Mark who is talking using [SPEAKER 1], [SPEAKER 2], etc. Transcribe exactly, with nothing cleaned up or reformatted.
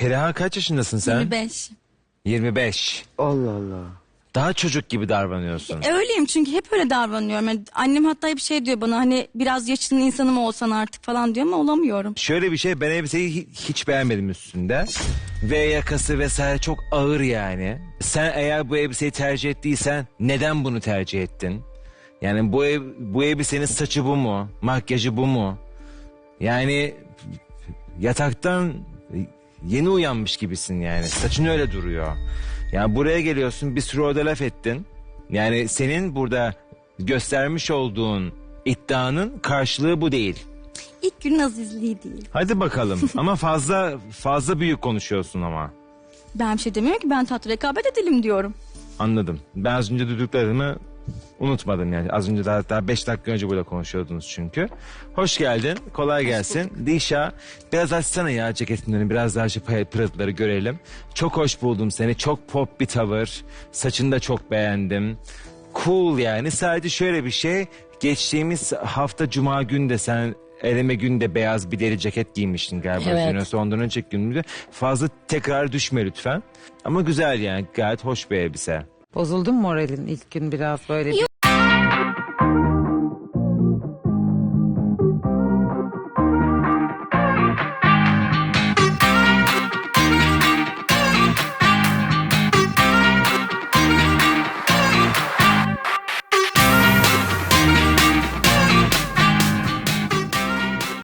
[SPEAKER 1] Perihan kaç yaşındasın sen?
[SPEAKER 2] yirmi beş.
[SPEAKER 1] yirmi beş.
[SPEAKER 3] Allah Allah.
[SPEAKER 1] Daha çocuk gibi davranıyorsun.
[SPEAKER 2] E, öyleyim çünkü hep öyle davranıyorum. Yani annem hatta hep şey diyor bana, hani biraz yaşının insanı mı olsan artık falan diyor ama olamıyorum.
[SPEAKER 1] Şöyle bir şey, ben elbiseyi hi- hiç beğenmedim üstünde. Ve yakası vesaire çok ağır yani. Sen eğer bu elbiseyi tercih ettiysen neden bunu tercih ettin? Yani bu ev, bu elbisenin saçı bu mu? Makyajı bu mu? Yani yataktan yeni uyanmış gibisin yani. Saçın öyle duruyor. Yani buraya geliyorsun, bir sürü orada laf ettin. Yani senin burada göstermiş olduğun iddianın karşılığı bu değil.
[SPEAKER 2] İlk günün azizliği değil.
[SPEAKER 1] Hadi bakalım ama fazla fazla büyük konuşuyorsun ama.
[SPEAKER 2] Ben bir şey demiyorum ki, ben tatlı rekabet edelim diyorum.
[SPEAKER 1] Anladım. Ben az önce duyduklarımı unutmadım yani. Az önce daha, daha beş dakika önce burada konuşuyordunuz çünkü. Hoş geldin. Kolay gelsin. Dişa, biraz açsana ya ceketinden, biraz daha şu pırıltıları görelim. Çok hoş buldum seni. Çok pop bir tavır. Saçını da çok beğendim. Cool yani. Sadece şöyle bir şey. Geçtiğimiz hafta Cuma günü de sen eleme günde beyaz bir deri ceket giymiştin galiba.
[SPEAKER 4] Evet.
[SPEAKER 1] Yine sondan önceki günümüzde. Fazla tekrar düşme lütfen. Ama güzel yani. Gayet hoş bir elbise.
[SPEAKER 3] Bozuldun mu moralin ilk gün biraz böyle? Bir...